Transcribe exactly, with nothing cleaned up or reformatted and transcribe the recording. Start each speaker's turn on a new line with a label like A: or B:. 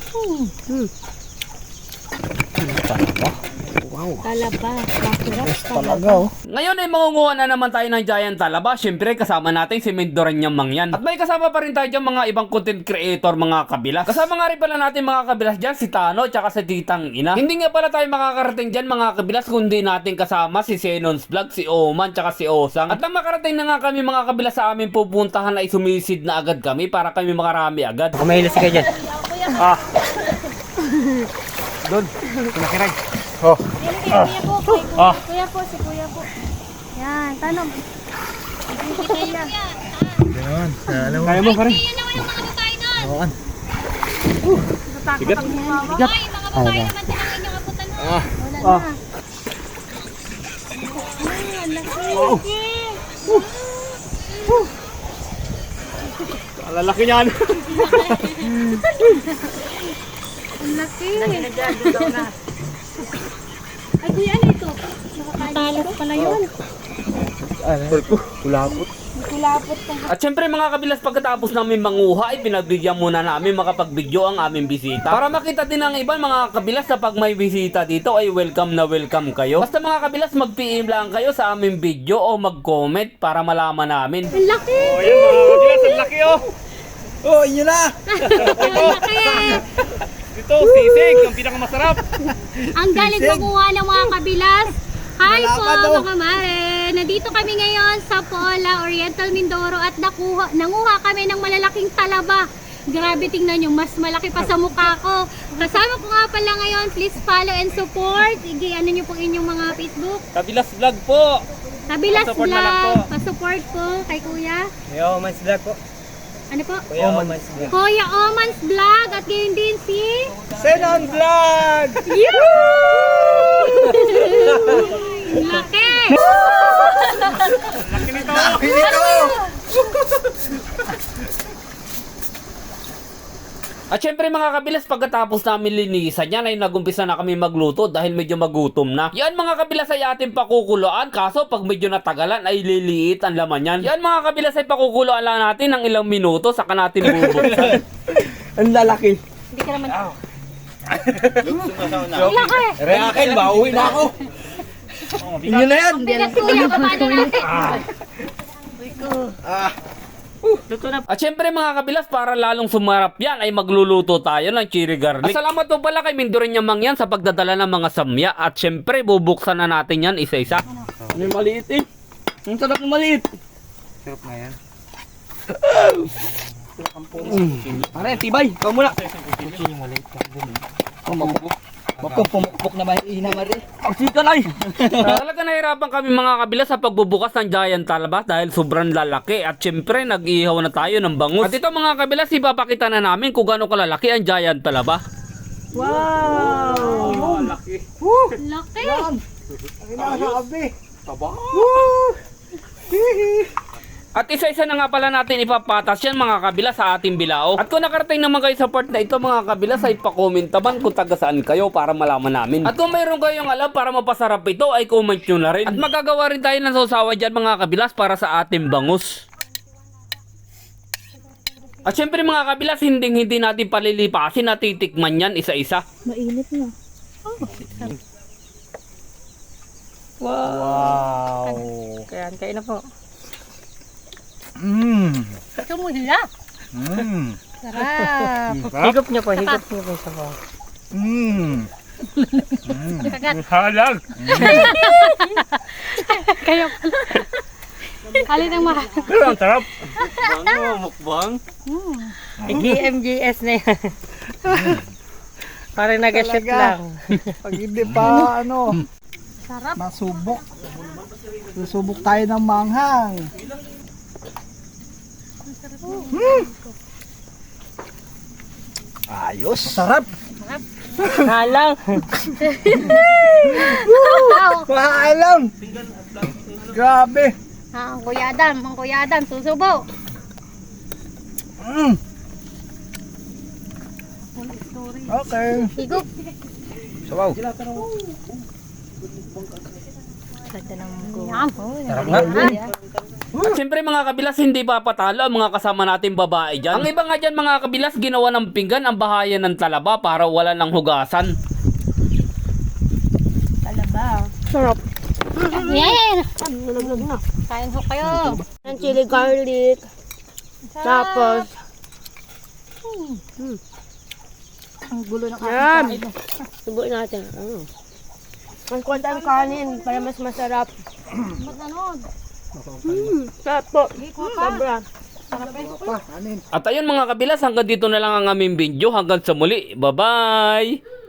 A: Hmm. Talaba. Wow. Talaba. Masarap talaga. Oh.
B: Ngayon ay mangunguha na naman tayo ng giant talaba. Siyempre kasama natin si Mendoreña Mangyan. At may kasama pa rin tayo dyan mga ibang content creator mga kabilas. Kasama nga rin pala natin mga kabilas dyan si Tano at si Titang Ina. Hindi nga pala tayo makakarating dyan mga kabilas kundi natin kasama si Xenon's Vlog, si Oman at si Osang. At nang makarating na nga kami mga kabilas sa aming pupuntahan ay sumisid na agad kami para kami makarami agad.
A: Kumahilas ka dyan.
B: Ah. Doon. Kumakiray.
A: Oh.
C: Kuya po, kay kuya,
B: Ah.
C: kuya po, si kuya po. Yan, tanong. Kita yan.
A: Yan. Alam mo.
B: Kaya mo pa rin.
D: Yan naman yung mga babae doon.
A: Awan.
C: Natakot ang mama.
D: Hoy, mga babae naman din ang inyong abutan doon.
B: Ah.
C: Wala
B: Ah.
C: na. Ay, ang laki.
B: Ang lalaki niyan.
C: Ang laki. Ay, kuya, ano ito? Nakatalas pala yun.
A: Ano? Kulapot.
C: Kulapot pa.
B: At syempre mga kabilas pagkatapos namin manguha ay pinagbigyan muna namin makapag-video ang aming bisita. Para makita din ng ibang mga kabilas na pag may bisita dito ay welcome na welcome kayo. Basta mga kabilas mag-P M lang kayo sa aming video o mag-comment para malaman namin.
C: Ang laki.
B: Oh, yan mga kabilas, ang laki oh!
A: Oh, inyo na!
C: Ang laki.
B: Ito, sisig, ang pinakamasarap.
C: Ang galing kumuha ng mga kabilas. Hi po
A: Malapad, oh.
C: mga mare! Nandito kami ngayon sa Pola, Oriental Mindoro at nakuha, nanguha kami ng malalaking talaba. Grabe, tingnan nyo, mas malaki pa sa mukha ko. Kasama ko nga pala ngayon, please follow and support. Igi, ano nyo po inyong mga Facebook?
B: Kabilas vlog po.
C: Kabilas
B: Pa-support na lang po.
C: Vlog, pa-support po kay Kuya.
A: Yo, mas vlog po.
C: Ano po?
A: Kuya, oh, mas vlog.
C: Kuya Oman's Vlog at ngayon din si...
A: Xenon Vlog!
C: Laki!
B: Laki nito.
A: Laki nito!
B: At syempre mga kabilas pagkatapos namin linisan yan ay nagumpisa na kami magluto dahil medyo magutom na. Yan mga kabilas ay ating pakukuloan kaso pag medyo natagalan ay liliit ang laman yan. Yan mga kabilas ay pakukuloan lang natin ng ilang minuto saka natin bubuksan.
A: Ang lalaki.
C: Hindi ka naman...
A: Ang
C: Laki!
A: Reakin, mauwi na ako. Inyo na yan.
C: Bigat Kuya, paano natin?
A: Ah.
B: At syempre mga kabilas para lalong sumarap yan ay magluluto tayo ng chili garlic. At salamat po pala kay Mendoreña Mangyan sa pagdadala ng mga samya. At syempre bubuksan na natin yan isa-isa.
A: Ano yung maliit eh? Ang sarap ng maliit. Sarap na yan. Pare, tibay. Ikaw muna. Pumukpok. Pumukpok na mahina mari. Ang sika na eh.
B: Talaga nahirapan kami mga kabilas sa pagbubukas ng giant talaba dahil sobrang lalaki. At syempre nag-ihaw na tayo ng bangus. At ito mga kabilas ipapakita na namin kung gaano kalalaki ang giant talaba.
A: Wow!
B: Laki.
C: Laki!
A: Ang inakabi.
B: Taba. At isa-isa na nga pala natin ipapatas yan mga kabilas sa ating bilao. At kung nakarating naman kayo sa part na ito mga kabilas ay pa-comment naman kung taga saan kayo para malaman namin. At kung mayroon kayong alam para mapasarap ito ay comment nyo na rin. At magagawa rin tayo ng sausawa dyan mga kabilas para sa ating bangus. At syempre mga kabilas hindi hindi natin palilipasin at titikman yan isa-isa.
C: Mainit na.
A: Wow!
C: Kaya kayo na po.
A: Mmm!
C: Tumula!
A: Mmm!
C: Sarap!
A: Higop niyo po, higop niyo po sa po. Mmm!
C: Kagat!
B: Halag!
C: Kayo pala. Alin ang mahal?
B: Pero ang sarap. Mukbang, mukbang.
E: G M G S na yan. Parang nag-shoot lang.
A: Pag hindi pa ano,
C: Sarap!
A: masubok. Susubok tayo ng manghang. Hmm. Ayos. Sarap.
E: Halang.
A: Maalam. Grabe.
C: Ah, ang Kuya Adam, ang Kuya Adam, susubo!
A: Mm. Okay.
C: Higop!
A: Sabaw.
E: Ganda ng mugo.
C: Yan.
A: Sarap nga.
B: At siyempre mga kabilas, hindi pa patalo ang mga kasama nating babae dyan. Ang iba nga dyan mga kabilas, ginawa ng pinggan ang bahayan ng talaba para wala ng hugasan.
E: Talaba.
F: Sarap.
C: Yan.
F: Nalaglag na.
C: Kain ho kayo.
F: Ang chili garlic. Tapos,
C: Ang gulo ng
F: yan. Subuin natin. Ano? Mas konti ang kanin para mas masarap.
C: Manood.
F: Hmm, sarap po. Sobra.
B: At ayun mga kabilas, hanggang dito na lang ang aming video. Hanggang sa muli. Bye-bye!